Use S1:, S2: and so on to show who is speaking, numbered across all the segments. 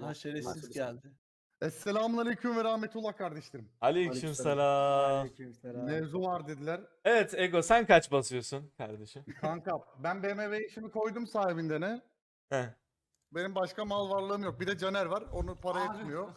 S1: Ha şerefsiz geldi.
S2: Esselamun ve rahmetullah kardeşlerim.
S3: Aleykümselam.
S1: Aleykümselam.
S2: Mevzu var dediler.
S3: Evet Ego, sen kaç basıyorsun kardeşim?
S2: Kanka ben BMW işimi koydum sahibinden ne?
S3: Heh.
S2: Benim başka mal varlığım yok. Bir de Caner var. Onu para etmiyor.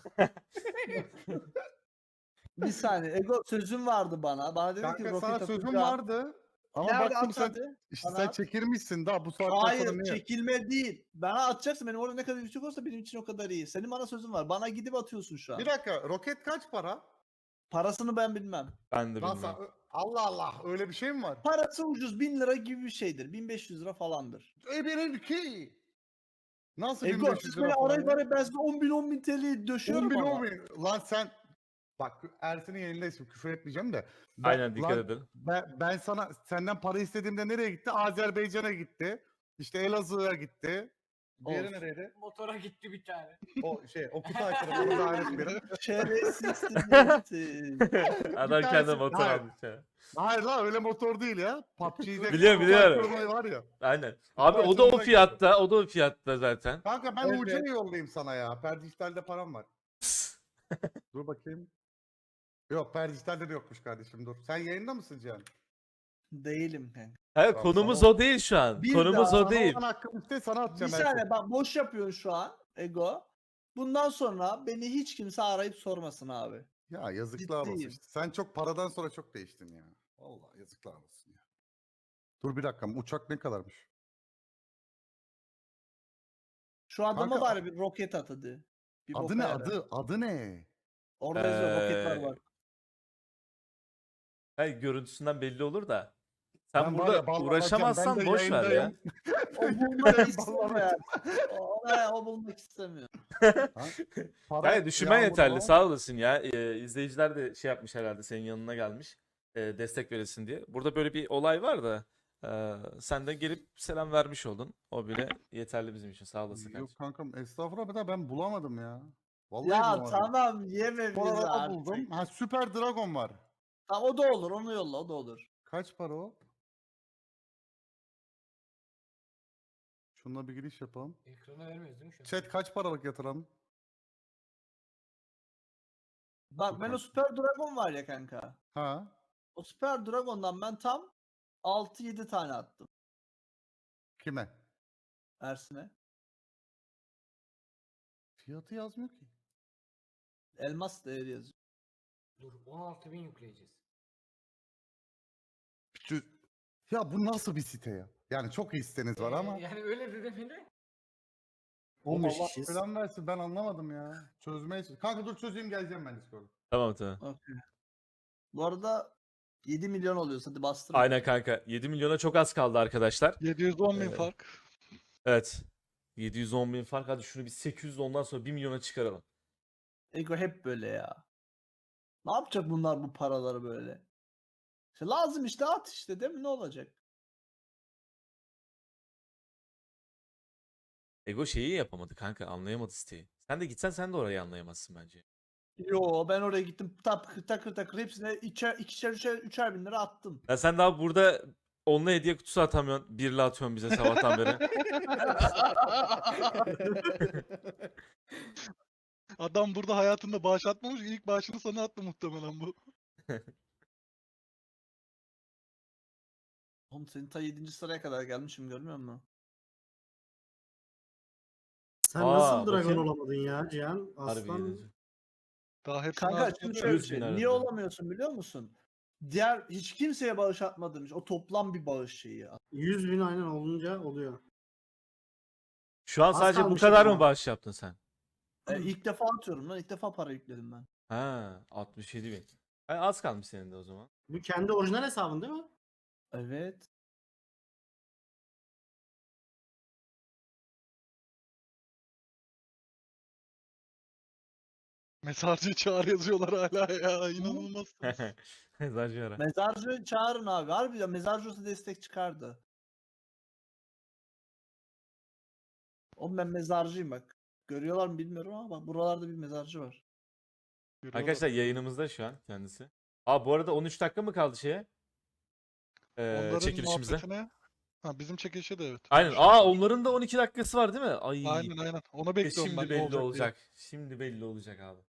S1: Bir saniye. Ego sözün vardı bana. Bana dedi ki
S2: Kanka sana
S1: roket
S2: sözüm
S1: atacağım.
S2: vardı. Ama
S1: Nerede
S2: baktım
S1: at
S2: sen
S1: hadi.
S2: işte
S1: Bana
S2: sen
S1: at.
S2: çekilmişsin daha bu saatten
S1: Hayır
S2: sonra niye?
S1: çekilme değil. Bana atacaksın. Benim orada ne kadar yüksek olsa benim için o kadar iyi. Senin bana sözün var. Bana gidip atıyorsun şu an.
S2: Bir dakika roket kaç para?
S1: Parasını ben bilmem.
S3: Ben de
S2: Nasıl?
S3: bilmiyorum.
S2: Allah Allah öyle bir şey mi var?
S1: Parası ucuz 1000 lira gibi bir şeydir. 1500 lira falandır.
S2: Benimki. Nasıl
S1: Ego
S2: 1500
S1: siz
S2: lira
S1: beni
S2: falan
S1: arayıp
S2: ya?
S1: arayıp ben size 10 bin TL'yi döşüyorum
S2: 10 bin
S1: ama.
S2: 10 bin. Lan sen bak Ersin'in yayındayım küfür etmeyeceğim de.
S3: Aynen, dikkat
S2: lan,
S3: edin.
S2: Ben sana senden para istediğimde nereye gitti? Azerbaycan'a gitti. İşte Elazığ'a gitti. Diğeri
S1: Olsun.
S2: nereydi?
S4: Motora gitti bir tane.
S2: O Kutay tarafı onu da etmeyelim.
S1: Şerefsizsin.
S3: Adam
S2: Bir
S3: kendi
S2: tanesi-
S3: motor
S2: Hayır.
S3: almış ya.
S2: Hayır lan öyle motor değil ya. PUBG'de
S3: Biliyorum,
S2: Kutay
S3: biliyorum.
S2: Kurmay var ya.
S3: Aynen. Abi o da o
S2: Başımıza
S3: fiyatta, o da o fiyatta zaten.
S2: Kanka ben
S1: Evet.
S2: UC'yi yollayayım sana ya. Perdijital'de param var. Dur bakayım. Yok Perdijital'de de yokmuş kardeşim dur. Sen yayında mısın Cihan?
S1: Değilim kanka.
S3: Hayır,
S2: Bak,
S3: konumuz
S2: sana-
S3: o değil şu an.
S1: Bir
S3: Konumuz
S1: daha
S3: o değil.
S2: Sana hakkım işte sana
S1: Bir
S2: atacağım. Ersin.
S1: saniye bak boş yapıyorsun şu an Ego. Bundan sonra beni hiç kimse arayıp sormasın abi.
S2: Ya yazıklar olsun
S1: Ciddiyim.
S2: işte. Sen çok paradan sonra çok değiştin ya. Vallahi yazıklar olsun ya. Dur bir dakika uçak ne kadarmış?
S1: Şu adama
S2: Kanka,
S1: bari bir roket at hadi. Bir
S2: Adı
S1: boka
S2: ne
S1: yarar.
S2: adı ne?
S1: Orada yazıyor roket var bak.
S3: Hayır, görüntüsünden belli olur da. Sen
S2: Ben var
S3: burada
S2: ya, ballanacağım.
S3: uğraşamazsan
S2: Ben de
S3: boş ver ya.
S2: yayındayım.
S1: O bulmak
S2: Ben
S1: istemiyor.
S2: ballanacağım.
S1: O bulmak istemiyor.
S2: Para
S3: Hayır, düşünmen
S2: yağmuru
S3: yeterli.
S2: var.
S3: Sağ olasın ya. İzleyiciler de şey yapmış herhalde, senin yanına gelmiş. Destek veresin diye. Burada böyle bir olay var da sen de gelip selam vermiş oldun. O bile yeterli bizim için. Sağ olasın
S2: Yok
S3: kardeşim.
S2: kankam estağfurullah da ben bulamadım ya. Vallahi
S1: Ya
S2: bulamadım.
S1: tamam yeme bizi
S2: Sonra
S1: artık.
S2: buldum. Ha Süper Dragon var.
S1: Tamam o da olur onu yolla o da olur.
S2: Kaç para o? Şununla bir giriş yapalım.
S4: Ekrana vermiyoruz değil mi şu an?
S2: Chat kaç paralık yatıralım?
S1: Bak ben o Super Dragon var ya kanka.
S2: Ha?
S1: O Super Dragon'dan ben tam 6-7 tane attım
S2: Kime?
S1: Ersin'e.
S2: Fiyatı yazmıyor ki.
S1: Elmas değeri yazıyor.
S4: Dur 16.000 yükleyeceğiz.
S2: Ya bu nasıl bir site ya? Yani çok iyi siteniz var ama.
S4: Yani öyle de demeli.
S2: 15 Allah falan versin ben anlamadım ya. Çözmeye Kanka dur çözeyim geleceğim ben Discord'a.
S3: Tamam tamam.
S1: Okay. Bu arada 7 milyon oluyorsa hadi bastırın.
S3: Aynen kanka. 7 milyona çok az kaldı arkadaşlar.
S5: 710 bin fark.
S3: Evet. 710 bin fark. Hadi şunu bir 800 ondan sonra 1 milyona çıkaralım.
S1: Ego hep böyle ya. Ne yapacak bunlar bu paraları böyle? İşte lazım işte at işte değil mi ne olacak?
S3: Ego şeyi yapamadı kanka. Anlayamadı siteyi. Sen de gitsen sen de orayı anlayamazsın bence.
S1: Yo ben oraya gittim takır takır takır hepsine ikişer üçer bin lira attım.
S3: Ya sen daha burada onunla hediye kutusu atamıyorsun. Birli atıyorsun bize sabahtan beri.
S5: Adam burada hayatında bağış atmamış. İlk bağışını sana attı muhtemelen bu.
S1: Oğlum senin ta 7. sıraya kadar gelmişim görmüyor musun?
S6: Sen
S3: Aa,
S6: nasıl dragon
S3: bakayım.
S6: olamadın ya Cihan?
S3: Harbi
S6: Aslan
S3: yedinci.
S5: Daha hepsini
S1: Kanka
S5: açtı.
S1: şimdi şöyle bir
S3: 100 bin
S1: şey.
S3: arada.
S1: Niye olamıyorsun biliyor musun? Diğer hiç kimseye bağış atmadığım için o toplam bir bağış şeyi ya.
S6: 100 bin aynen olunca oluyor.
S3: Şu an
S6: Az
S3: sadece bu
S6: kalmıştı
S3: kadar mı
S6: ama.
S3: bağış yaptın sen?
S1: İlk defa atıyorum lan ilk defa para yükledim ben.
S3: Ha, 67 bin. Az kalmış senin de o zaman.
S6: Bu kendi orijinal hesabın değil mi?
S1: Evet.
S5: Mesajcı çağır yazıyorlar hala ya. İnanılmazsınız.
S3: Zacı ara.
S1: Mezarcı çağırın abi. Harbi ya mezarcı olsa destek çıkardı. Oğlum ben mezarcıyım bak. Görüyorlar mı bilmiyorum ama bak buralarda bir mezarcı var.
S3: Arkadaşlar yayınımızda şu an kendisi. Aa bu arada 13 dakika mı kaldı şeye?
S5: Onların
S3: Çekilişimize.
S5: muhabbetine Ha bizim çekilişe de evet.
S3: Aynen.
S5: Şu-
S3: Aa onların da 12 dakikası var değil mi? Ay.
S5: Aynen aynen. Ona bekliyorum
S3: Şimdi
S5: ben. ne
S3: belli
S5: olacak diye.
S3: olacak. Şimdi belli olacak abi.